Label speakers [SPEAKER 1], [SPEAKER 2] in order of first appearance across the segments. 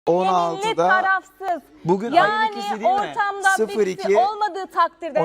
[SPEAKER 1] yeminli tarafsız.
[SPEAKER 2] Bugün
[SPEAKER 1] yani
[SPEAKER 2] ikisi değil mi?
[SPEAKER 1] ortamda birisi olmadığı takdirde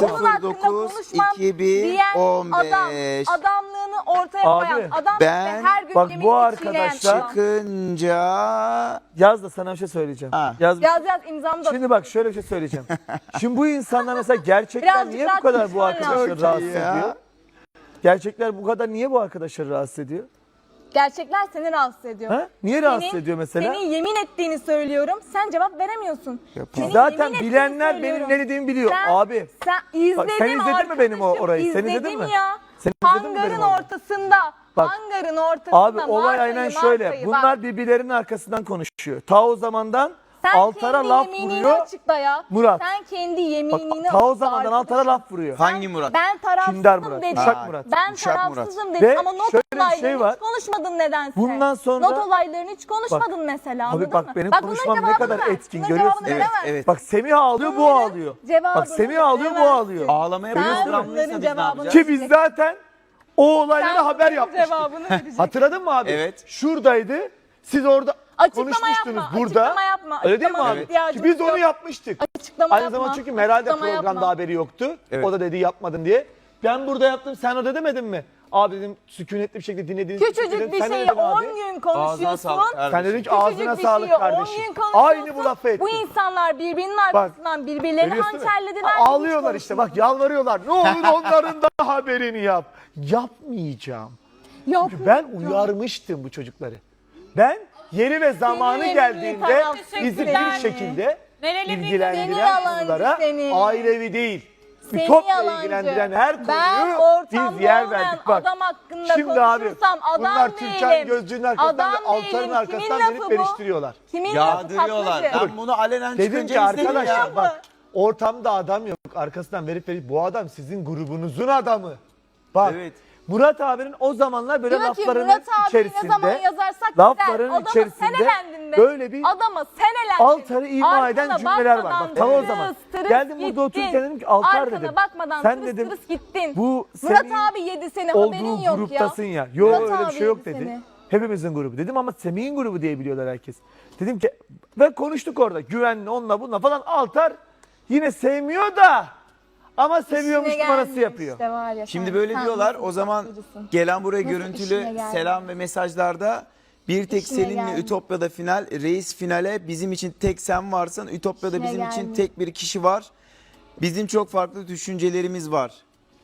[SPEAKER 2] 14.09.2015
[SPEAKER 1] diyen adam, adamlığını ortaya koyan adam ve her gün
[SPEAKER 3] bak
[SPEAKER 1] yeminli
[SPEAKER 3] bu arkadaşlar
[SPEAKER 2] çıkınca
[SPEAKER 3] yaz da sana bir şey söyleyeceğim.
[SPEAKER 1] Yaz imzamı da.
[SPEAKER 3] Şimdi bak şöyle bir şey söyleyeceğim. Şimdi bu insanlar mesela gerçekten
[SPEAKER 1] Birazcık
[SPEAKER 3] niye
[SPEAKER 1] daha
[SPEAKER 3] bu kadar bu
[SPEAKER 1] konuşman
[SPEAKER 3] arkadaşları
[SPEAKER 1] lazım.
[SPEAKER 3] rahatsız ediyor? Gerçekler bu kadar niye bu arkadaşları rahatsız ediyor?
[SPEAKER 1] Gerçekler seni rahatsız ediyor.
[SPEAKER 3] Ha? Niye rahatsız ediyor mesela?
[SPEAKER 1] Senin yemin ettiğini söylüyorum. Sen cevap veremiyorsun.
[SPEAKER 3] Zaten bilenler benim ne dediğimi biliyor abi.
[SPEAKER 1] Sen izledin,
[SPEAKER 3] bak, sen izledin mi benim orayı? Sen izledin mi?
[SPEAKER 1] Ya.
[SPEAKER 3] Sen izledin mi
[SPEAKER 1] Hangarın
[SPEAKER 3] benim orayı?
[SPEAKER 1] ortasında.
[SPEAKER 3] Bak,
[SPEAKER 1] hangarın ortasında.
[SPEAKER 3] Abi olay aynen şöyle. Bunlar birbirlerinin arkasından konuşuyor. Ta o zamandan Altar'a laf vuruyor.
[SPEAKER 1] Açıkla ya.
[SPEAKER 3] Murat.
[SPEAKER 1] Sen kendi yeminini
[SPEAKER 3] ta o zamandan Altar'a laf vuruyor.
[SPEAKER 2] Hangi Murat?
[SPEAKER 1] Ben
[SPEAKER 3] Kindar
[SPEAKER 1] tarafsızım
[SPEAKER 3] Murat.
[SPEAKER 1] dedim.
[SPEAKER 3] Uşak Murat.
[SPEAKER 1] Ben tarafsızım dedim
[SPEAKER 3] Ve
[SPEAKER 1] ama not
[SPEAKER 3] şöyle bir
[SPEAKER 1] olaylarını
[SPEAKER 3] şey var.
[SPEAKER 1] hiç konuşmadın nedense.
[SPEAKER 3] Bundan sonra
[SPEAKER 1] not olaylarını hiç konuşmadın mesela.
[SPEAKER 3] Abi bak
[SPEAKER 1] mı?
[SPEAKER 3] benim
[SPEAKER 1] bunların
[SPEAKER 3] konuşmam ne
[SPEAKER 1] cevabını
[SPEAKER 3] kadar
[SPEAKER 1] ver.
[SPEAKER 3] etkin
[SPEAKER 1] Bunların
[SPEAKER 3] görüyorsun.
[SPEAKER 1] cevabını veremez.
[SPEAKER 2] Evet.
[SPEAKER 3] Bak Semih ağlıyor bu ağlıyor. Bak Semih ağlıyor bu ağlıyor.
[SPEAKER 2] Ağlamaya
[SPEAKER 1] Sen
[SPEAKER 2] başladıysa
[SPEAKER 1] bunların
[SPEAKER 2] biz ne
[SPEAKER 1] cevabını
[SPEAKER 2] yapacağız?
[SPEAKER 3] Ki biz zaten o olaylara
[SPEAKER 1] Sen
[SPEAKER 3] haber
[SPEAKER 1] bunların
[SPEAKER 3] yapmıştık.
[SPEAKER 1] cevabını vereceksin.
[SPEAKER 3] Hatırladın mı abi?
[SPEAKER 2] Evet.
[SPEAKER 3] Şuradaydı. Siz orada
[SPEAKER 1] Açıklama
[SPEAKER 3] konuşmuştunuz
[SPEAKER 1] yapma,
[SPEAKER 3] burada.
[SPEAKER 1] açıklama yapma.
[SPEAKER 3] Öyle değil mi
[SPEAKER 1] Açıklama
[SPEAKER 3] abi?
[SPEAKER 1] ihtiyacımız
[SPEAKER 3] Ki biz onu
[SPEAKER 1] yok.
[SPEAKER 3] yapmıştık.
[SPEAKER 1] Açıklama
[SPEAKER 3] Aynı
[SPEAKER 1] yapma.
[SPEAKER 3] zamanda çünkü Meral de
[SPEAKER 1] Açıklama
[SPEAKER 3] programda
[SPEAKER 1] yapma.
[SPEAKER 3] haberi yoktu.
[SPEAKER 2] Evet.
[SPEAKER 3] O da dedi yapmadın diye. Ben burada yaptım sen orada demedin mi? Abi dedim sükunetli bir şekilde dinlediğiniz için
[SPEAKER 1] Küçücük
[SPEAKER 3] dedim.
[SPEAKER 1] bir
[SPEAKER 3] Sen ne
[SPEAKER 1] şeyi
[SPEAKER 3] dedin
[SPEAKER 1] 10
[SPEAKER 3] abi?
[SPEAKER 1] gün
[SPEAKER 2] Ağzına
[SPEAKER 1] konuşuyorsun.
[SPEAKER 2] sağlık kardeşim.
[SPEAKER 3] Sen dedin ki
[SPEAKER 1] Küçücük
[SPEAKER 3] ağzına
[SPEAKER 1] bir
[SPEAKER 3] sağlık
[SPEAKER 1] şeyi 10
[SPEAKER 3] kardeşim.
[SPEAKER 1] gün konuşuyorsun.
[SPEAKER 3] Aynı bu lafı ettin.
[SPEAKER 1] Bu insanlar birbirinin arkasından birbirlerini
[SPEAKER 3] Görüyorsun değil mi?
[SPEAKER 1] hançerlediler.
[SPEAKER 3] Ağlıyorlar işte bak yalvarıyorlar. Ne olur onların da haberini yap. Yapmayacağım. Çünkü ben uyarmıştım bu çocukları. Ben yeri ve zamanı
[SPEAKER 1] Senin
[SPEAKER 3] geldiğinde
[SPEAKER 1] tarafsız
[SPEAKER 3] bizi
[SPEAKER 1] yani.
[SPEAKER 3] bir şekilde
[SPEAKER 1] Seni
[SPEAKER 3] ilgilendiren
[SPEAKER 1] yalancı
[SPEAKER 3] konulara
[SPEAKER 1] seni.
[SPEAKER 3] ailevi değil.
[SPEAKER 1] Seni
[SPEAKER 3] Ütopya
[SPEAKER 1] yalancı.
[SPEAKER 3] ilgilendiren her
[SPEAKER 1] Ben
[SPEAKER 3] konuyu
[SPEAKER 1] ortamda
[SPEAKER 3] biz yer
[SPEAKER 1] olmayan
[SPEAKER 3] verdik. Bak
[SPEAKER 1] adam hakkında
[SPEAKER 3] şimdi abi
[SPEAKER 1] konuşursam adam
[SPEAKER 3] bunlar
[SPEAKER 1] değilim.
[SPEAKER 3] Türkan Gözcü'nün arkasından ve
[SPEAKER 1] Adam
[SPEAKER 3] Altar'ın
[SPEAKER 1] değilim.
[SPEAKER 3] arkasından
[SPEAKER 1] Kimin
[SPEAKER 3] verip
[SPEAKER 1] lafı bu?
[SPEAKER 3] veriştiriyorlar.
[SPEAKER 1] Kimin lafı
[SPEAKER 2] Yağdırıyorlar.
[SPEAKER 1] taklacı?
[SPEAKER 2] Ben bunu alenen
[SPEAKER 3] Dedim ki
[SPEAKER 2] çıkınca istedim
[SPEAKER 3] arkadaşlar
[SPEAKER 2] ya.
[SPEAKER 3] bak ortamda adam yok. Arkasından verip bu adam sizin grubunuzun adamı. Bak
[SPEAKER 2] Evet.
[SPEAKER 3] Murat abinin o zamanlar böyle
[SPEAKER 1] Diyor ki
[SPEAKER 3] laflarının
[SPEAKER 1] Murat abi
[SPEAKER 3] içerisinde
[SPEAKER 1] ne zaman yazarsak
[SPEAKER 3] lafların
[SPEAKER 1] güzel. Adama
[SPEAKER 3] içerisinde
[SPEAKER 1] senelendin de.
[SPEAKER 3] böyle bir
[SPEAKER 1] Adama senelendin.
[SPEAKER 3] Altar'ı ima eden
[SPEAKER 1] Arkana
[SPEAKER 3] cümleler var.
[SPEAKER 1] bakmadan
[SPEAKER 3] Bak tam o
[SPEAKER 1] tırıs
[SPEAKER 3] zaman.
[SPEAKER 1] tırıs
[SPEAKER 3] Geldim burada
[SPEAKER 1] gittin.
[SPEAKER 3] otururken dedim ki Altar
[SPEAKER 1] Arkana
[SPEAKER 3] dedim.
[SPEAKER 1] bakmadan
[SPEAKER 3] Sen
[SPEAKER 1] tırıs
[SPEAKER 3] dedim
[SPEAKER 1] tırıs gittin.
[SPEAKER 3] bu
[SPEAKER 1] Murat
[SPEAKER 3] senin
[SPEAKER 1] abi yedi seni haberin
[SPEAKER 3] olduğu
[SPEAKER 1] yok
[SPEAKER 3] gruptasın
[SPEAKER 1] ya.
[SPEAKER 3] ya. Yok
[SPEAKER 1] Murat
[SPEAKER 3] öyle bir
[SPEAKER 1] abi
[SPEAKER 3] şey yok
[SPEAKER 1] yedi
[SPEAKER 3] dedi.
[SPEAKER 1] seni.
[SPEAKER 3] Hepimizin grubu dedim ama Semih'in grubu diye biliyorlar herkes. Dedim ki ve konuştuk orada güvenli onunla bununla falan Altar yine sevmiyor da ama seviyormuş
[SPEAKER 1] İşine
[SPEAKER 3] numarası
[SPEAKER 1] gelmiyor
[SPEAKER 3] yapıyor.
[SPEAKER 1] işte var ya,
[SPEAKER 2] Şimdi
[SPEAKER 1] sen-
[SPEAKER 2] böyle
[SPEAKER 1] sen
[SPEAKER 2] diyorlar.
[SPEAKER 1] nasıl
[SPEAKER 2] O zaman
[SPEAKER 1] taklacısın?
[SPEAKER 2] gelen buraya
[SPEAKER 1] Nasıl
[SPEAKER 2] görüntülü
[SPEAKER 1] işine gelmiyor?
[SPEAKER 2] selam ve mesajlarda bir tek
[SPEAKER 1] İşine
[SPEAKER 2] seninle
[SPEAKER 1] gelmiyor.
[SPEAKER 2] Ütopya'da final, Reis finale bizim için tek sen varsın. Ütopya'da
[SPEAKER 1] İşine
[SPEAKER 2] bizim için
[SPEAKER 1] gelmiyor.
[SPEAKER 2] tek bir kişi var. Bizim çok farklı düşüncelerimiz var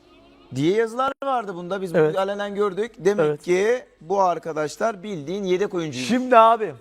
[SPEAKER 2] diye yazılar vardı bunda. Biz
[SPEAKER 3] Evet.
[SPEAKER 2] bunu alenen gördük. Demek
[SPEAKER 3] Evet.
[SPEAKER 2] ki bu arkadaşlar bildiğin yedek oyuncuymuş.
[SPEAKER 3] Şimdi abi.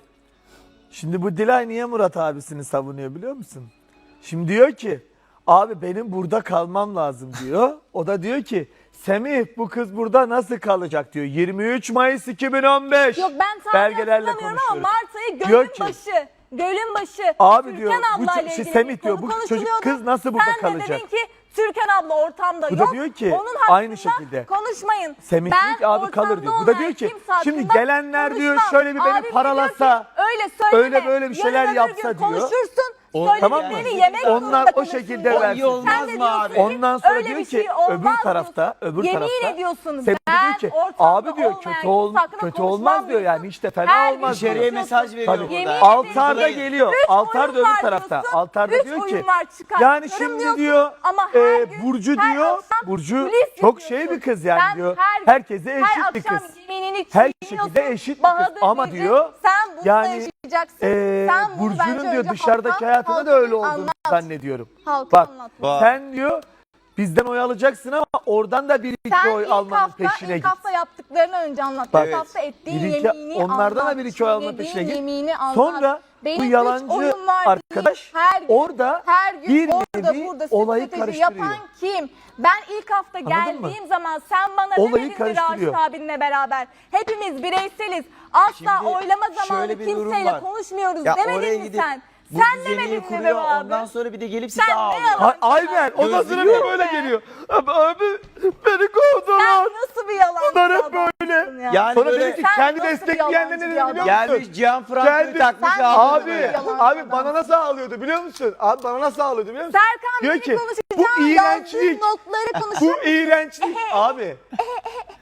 [SPEAKER 3] Şimdi bu Dilay niye Murat abisini savunuyor biliyor musun? Şimdi diyor ki abi benim burada kalmam lazım diyor. O da diyor ki Semih bu kız burada nasıl kalacak diyor. 23 Mayıs 2015.
[SPEAKER 1] Yok ben tam
[SPEAKER 3] belgelerle
[SPEAKER 1] hatırlamıyorum ama
[SPEAKER 3] konuşuyoruz.
[SPEAKER 1] Mart ayı
[SPEAKER 3] Diyor
[SPEAKER 1] gölün
[SPEAKER 3] ki,
[SPEAKER 1] başı. Gölün başı.
[SPEAKER 3] Abi
[SPEAKER 1] Türkan
[SPEAKER 3] diyor, bu
[SPEAKER 1] ablayla
[SPEAKER 3] şey
[SPEAKER 1] ilgili
[SPEAKER 3] Semih
[SPEAKER 1] bir
[SPEAKER 3] diyor,
[SPEAKER 1] konu
[SPEAKER 3] bu çocuk
[SPEAKER 1] konuşuluyordu.
[SPEAKER 3] kız nasıl burada
[SPEAKER 1] Sen
[SPEAKER 3] kalacak?
[SPEAKER 1] de dedin ki Türkan abla ortamda
[SPEAKER 3] Bu da
[SPEAKER 1] yok.
[SPEAKER 3] diyor ki,
[SPEAKER 1] onun hakkında
[SPEAKER 3] aynı şekilde.
[SPEAKER 1] konuşmayın.
[SPEAKER 3] Semih
[SPEAKER 1] Ben
[SPEAKER 3] diyor ki abi kalır
[SPEAKER 1] ortamda
[SPEAKER 3] diyor. Bu da
[SPEAKER 1] olmayan
[SPEAKER 3] diyor ki
[SPEAKER 1] kimse hakkında
[SPEAKER 3] şimdi gelenler diyor
[SPEAKER 1] konuşmam.
[SPEAKER 3] şöyle bir beni
[SPEAKER 1] Abim de
[SPEAKER 3] paralasa,
[SPEAKER 1] diyor ki, öyle söyleme.
[SPEAKER 3] öyle böyle bir şeyler
[SPEAKER 1] Yarın öbür
[SPEAKER 3] yapsa
[SPEAKER 1] gün
[SPEAKER 3] diyor.
[SPEAKER 1] Konuşursun.
[SPEAKER 3] Tamam mı?
[SPEAKER 1] Söyledikleri yemek
[SPEAKER 3] Onlar
[SPEAKER 1] zorunda
[SPEAKER 3] o
[SPEAKER 1] kalırsın
[SPEAKER 3] şekilde
[SPEAKER 1] diyor.
[SPEAKER 3] versin.
[SPEAKER 2] olmaz
[SPEAKER 1] Sen de
[SPEAKER 2] mı
[SPEAKER 1] diyorsun
[SPEAKER 2] abi?
[SPEAKER 1] ki,
[SPEAKER 3] Ondan sonra
[SPEAKER 1] öyle
[SPEAKER 3] diyor
[SPEAKER 1] bir
[SPEAKER 3] ki
[SPEAKER 1] şey olmaz
[SPEAKER 3] öbür tarafta,
[SPEAKER 1] diyorsun.
[SPEAKER 3] öbür
[SPEAKER 1] Yemin
[SPEAKER 3] tarafta.
[SPEAKER 1] ediyorsun.
[SPEAKER 3] Semih
[SPEAKER 1] Ben
[SPEAKER 3] diyor ki
[SPEAKER 1] ortamda
[SPEAKER 3] abi diyor
[SPEAKER 1] olmayan
[SPEAKER 3] kötü
[SPEAKER 1] kimse hakkında
[SPEAKER 3] kötü
[SPEAKER 1] konuşmam
[SPEAKER 3] olmaz diyor yani
[SPEAKER 1] diyorsun.
[SPEAKER 3] işte fena
[SPEAKER 1] Her gün
[SPEAKER 3] olmaz diyor.
[SPEAKER 2] İçeriye
[SPEAKER 1] konuşuyorsun.
[SPEAKER 2] mesaj veriyor
[SPEAKER 3] Tabii.
[SPEAKER 1] Yemin
[SPEAKER 2] burada.
[SPEAKER 3] Altar da
[SPEAKER 2] Buradayım.
[SPEAKER 3] geliyor.
[SPEAKER 1] Üç
[SPEAKER 3] Altar da
[SPEAKER 1] oyun var
[SPEAKER 3] öbür tarafta.
[SPEAKER 1] diyorsun.
[SPEAKER 3] Altar da
[SPEAKER 1] Üç
[SPEAKER 3] diyor ki
[SPEAKER 1] oyun var, çıkar.
[SPEAKER 3] yani
[SPEAKER 1] Çıkarım
[SPEAKER 3] şimdi
[SPEAKER 1] diyorsun.
[SPEAKER 3] diyor
[SPEAKER 1] Ama her gün,
[SPEAKER 3] Burcu
[SPEAKER 1] her
[SPEAKER 3] diyor.
[SPEAKER 1] akşam
[SPEAKER 3] Burcu
[SPEAKER 1] kulis
[SPEAKER 3] çok
[SPEAKER 1] yapıyorsun.
[SPEAKER 3] şey bir kız yani
[SPEAKER 1] Sen
[SPEAKER 3] diyor.
[SPEAKER 1] her gün,
[SPEAKER 3] Herkese
[SPEAKER 1] her
[SPEAKER 3] eşit bir
[SPEAKER 1] akşam
[SPEAKER 3] kız.
[SPEAKER 1] yemeğini
[SPEAKER 3] Her
[SPEAKER 1] çiğniyorsun.
[SPEAKER 3] şekilde eşit bir kız.
[SPEAKER 1] Bahadır
[SPEAKER 3] Ama
[SPEAKER 1] diyecek,
[SPEAKER 3] diyor
[SPEAKER 1] sen bunu
[SPEAKER 3] yani
[SPEAKER 1] yaşayacaksın. Sen bunu
[SPEAKER 3] Burcu'nun
[SPEAKER 1] bence
[SPEAKER 3] diyor
[SPEAKER 1] önce
[SPEAKER 3] dışarıdaki hayatında da öyle olduğunu zannediyorum.
[SPEAKER 1] Halka
[SPEAKER 3] Bak
[SPEAKER 1] anlat.
[SPEAKER 3] sen diyor bizden oy alacaksın ama oradan da bir iki
[SPEAKER 1] Sen
[SPEAKER 3] oy
[SPEAKER 1] ilk
[SPEAKER 3] almanın
[SPEAKER 1] hafta,
[SPEAKER 3] peşine
[SPEAKER 1] ilk
[SPEAKER 3] git.
[SPEAKER 1] hafta yaptıklarını önce anlat.
[SPEAKER 3] Bak,
[SPEAKER 1] İlk hafta ettiğin
[SPEAKER 3] bir iki-
[SPEAKER 1] yemeğini
[SPEAKER 3] onlardan
[SPEAKER 1] anlat.
[SPEAKER 3] da bir iki oy alma
[SPEAKER 1] Çiğnediğin
[SPEAKER 3] peşine git.
[SPEAKER 1] yemeğini anlat.
[SPEAKER 3] Sonra
[SPEAKER 1] Benim
[SPEAKER 3] bu
[SPEAKER 1] üç
[SPEAKER 3] yalancı
[SPEAKER 1] oyun var
[SPEAKER 3] arkadaş
[SPEAKER 1] değil. Her gün,
[SPEAKER 3] orada
[SPEAKER 1] her gün
[SPEAKER 3] bir
[SPEAKER 1] orada
[SPEAKER 3] nevi
[SPEAKER 1] burada
[SPEAKER 3] olayı
[SPEAKER 1] strateji
[SPEAKER 3] karıştırıyor.
[SPEAKER 1] yapan kim? Ben ilk hafta
[SPEAKER 3] Anladın
[SPEAKER 1] geldiğim zaman sen bana
[SPEAKER 3] Olayı
[SPEAKER 1] demedin mi
[SPEAKER 3] karıştırıyor.
[SPEAKER 1] Raşit abinle beraber? Hepimiz bireyseliz. Asla
[SPEAKER 2] Şimdi
[SPEAKER 1] oylama zamanı
[SPEAKER 2] şöyle bir durum
[SPEAKER 1] kimseyle
[SPEAKER 2] var.
[SPEAKER 1] konuşmuyoruz
[SPEAKER 2] Ya oraya
[SPEAKER 1] demedin mi
[SPEAKER 2] gidip
[SPEAKER 1] sen?
[SPEAKER 2] bu
[SPEAKER 1] Sen
[SPEAKER 2] düzeni
[SPEAKER 1] demedin mi
[SPEAKER 2] kuruyor,
[SPEAKER 1] be abi?
[SPEAKER 2] ondan sonra bir de gelip size
[SPEAKER 1] Sen ne
[SPEAKER 2] ağlıyor.
[SPEAKER 1] yalan-
[SPEAKER 3] Aynen. Ondan sonra bir de böyle geliyor. Abi beni
[SPEAKER 1] Sen
[SPEAKER 3] kovdular.
[SPEAKER 1] nasıl bir yalan?
[SPEAKER 3] Bunlar hep böyle.
[SPEAKER 2] Yani
[SPEAKER 3] Sonra
[SPEAKER 2] böyle
[SPEAKER 3] dedi ki
[SPEAKER 1] Sen
[SPEAKER 3] kendi
[SPEAKER 1] nasıl bir
[SPEAKER 3] destekleyenler ne dedi
[SPEAKER 1] yalancı
[SPEAKER 3] biliyor
[SPEAKER 1] bir
[SPEAKER 3] musun?
[SPEAKER 2] gelmiş Cihan Franco'yu
[SPEAKER 3] Geldi.
[SPEAKER 2] takmış
[SPEAKER 1] Sen-
[SPEAKER 2] ağlıyor
[SPEAKER 3] Abi,
[SPEAKER 2] böyle.
[SPEAKER 1] Yalan
[SPEAKER 3] abi
[SPEAKER 1] adam.
[SPEAKER 3] bana nasıl ağlıyordu biliyor musun? Abi bana nasıl ağlıyordu biliyor musun?
[SPEAKER 1] Serkan
[SPEAKER 3] Diyor
[SPEAKER 1] beni
[SPEAKER 3] ki
[SPEAKER 1] konuşacağım.
[SPEAKER 3] bu iğrençlik,
[SPEAKER 1] Yazdığın notları konuşuyor.
[SPEAKER 3] bu iğrençlik abi.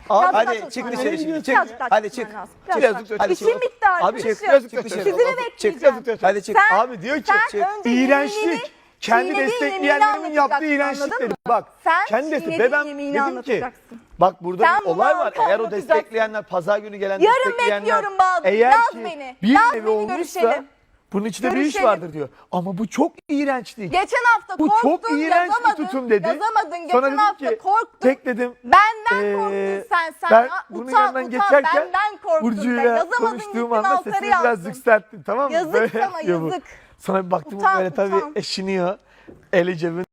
[SPEAKER 3] Abi,
[SPEAKER 2] hadi
[SPEAKER 1] daha
[SPEAKER 2] çık
[SPEAKER 1] çalışman
[SPEAKER 2] dışarı
[SPEAKER 1] lazım.
[SPEAKER 2] şimdi. Çık.
[SPEAKER 1] Birazcık daha
[SPEAKER 2] Hadi
[SPEAKER 1] çalışman
[SPEAKER 2] çık.
[SPEAKER 1] lazım.
[SPEAKER 2] Çık.
[SPEAKER 1] Birazcık daha.
[SPEAKER 2] Hadi
[SPEAKER 1] İşim
[SPEAKER 2] çık.
[SPEAKER 1] bitti artık.
[SPEAKER 3] Abi,
[SPEAKER 1] Çık.
[SPEAKER 2] Çık dışarı.
[SPEAKER 1] Sizi de bekleyeceğim.
[SPEAKER 2] Hadi çık.
[SPEAKER 1] Sen-
[SPEAKER 3] Abi diyor ki
[SPEAKER 1] Sen önce
[SPEAKER 3] iğrençlik.
[SPEAKER 1] yeminini-
[SPEAKER 3] Kendi
[SPEAKER 1] çiğnediğin
[SPEAKER 3] destekleyenlerimin
[SPEAKER 1] yeminini
[SPEAKER 3] yaptığı
[SPEAKER 1] anlatacaksın,
[SPEAKER 3] iğrençlikleri.
[SPEAKER 1] anladın mı?
[SPEAKER 3] Bak
[SPEAKER 1] Sen
[SPEAKER 3] kendi destek.
[SPEAKER 1] çiğnediğin
[SPEAKER 3] Ve ben
[SPEAKER 1] yeminini
[SPEAKER 3] dedim ki
[SPEAKER 1] anlatacaksın.
[SPEAKER 3] bak burada
[SPEAKER 1] Sen
[SPEAKER 3] bir olay
[SPEAKER 1] bunu
[SPEAKER 3] var. Eğer o
[SPEAKER 1] anlatacaksın.
[SPEAKER 3] destekleyenler pazar günü gelen
[SPEAKER 1] Yarın
[SPEAKER 3] destekleyenler
[SPEAKER 1] bekliyorum Bazı.
[SPEAKER 3] eğer
[SPEAKER 1] Yaz
[SPEAKER 3] ki
[SPEAKER 1] beni.
[SPEAKER 3] bir
[SPEAKER 1] Yaz
[SPEAKER 3] nevi
[SPEAKER 1] beni,
[SPEAKER 3] olmuşsa
[SPEAKER 1] görüşelim.
[SPEAKER 3] bunun içinde bir iş
[SPEAKER 1] Görüşelim.
[SPEAKER 3] vardır diyor. Ama bu çok iğrençlik.
[SPEAKER 1] Geçen hafta
[SPEAKER 3] Bu
[SPEAKER 1] korktun,
[SPEAKER 3] çok iğrenç bir
[SPEAKER 1] yazamadın.
[SPEAKER 3] tutum dedi.
[SPEAKER 1] Yazamadın.
[SPEAKER 3] Sonra
[SPEAKER 1] Geçen
[SPEAKER 3] dedim
[SPEAKER 1] hafta
[SPEAKER 3] ki,
[SPEAKER 1] korktun.
[SPEAKER 3] tek dedim.
[SPEAKER 1] Benden korktun sen.
[SPEAKER 3] Ben
[SPEAKER 1] Ya,
[SPEAKER 3] bunun
[SPEAKER 1] utan,
[SPEAKER 3] yanından
[SPEAKER 1] utan.
[SPEAKER 3] geçerken
[SPEAKER 1] Benden korktun.
[SPEAKER 3] Burcu'yla
[SPEAKER 1] Yazamadın,
[SPEAKER 3] konuştuğum
[SPEAKER 1] gittin
[SPEAKER 3] anda
[SPEAKER 1] altları
[SPEAKER 3] sesini biraz
[SPEAKER 1] yazdın.
[SPEAKER 3] yükselttim, tamam mı?
[SPEAKER 1] Yazık
[SPEAKER 3] Böyle
[SPEAKER 1] sana,
[SPEAKER 3] yapıyor bu.
[SPEAKER 1] yazık.
[SPEAKER 3] Sonra bir baktım
[SPEAKER 1] Utan,
[SPEAKER 3] böyle tabii
[SPEAKER 1] utan.
[SPEAKER 3] eşiniyor. Eli cebinde.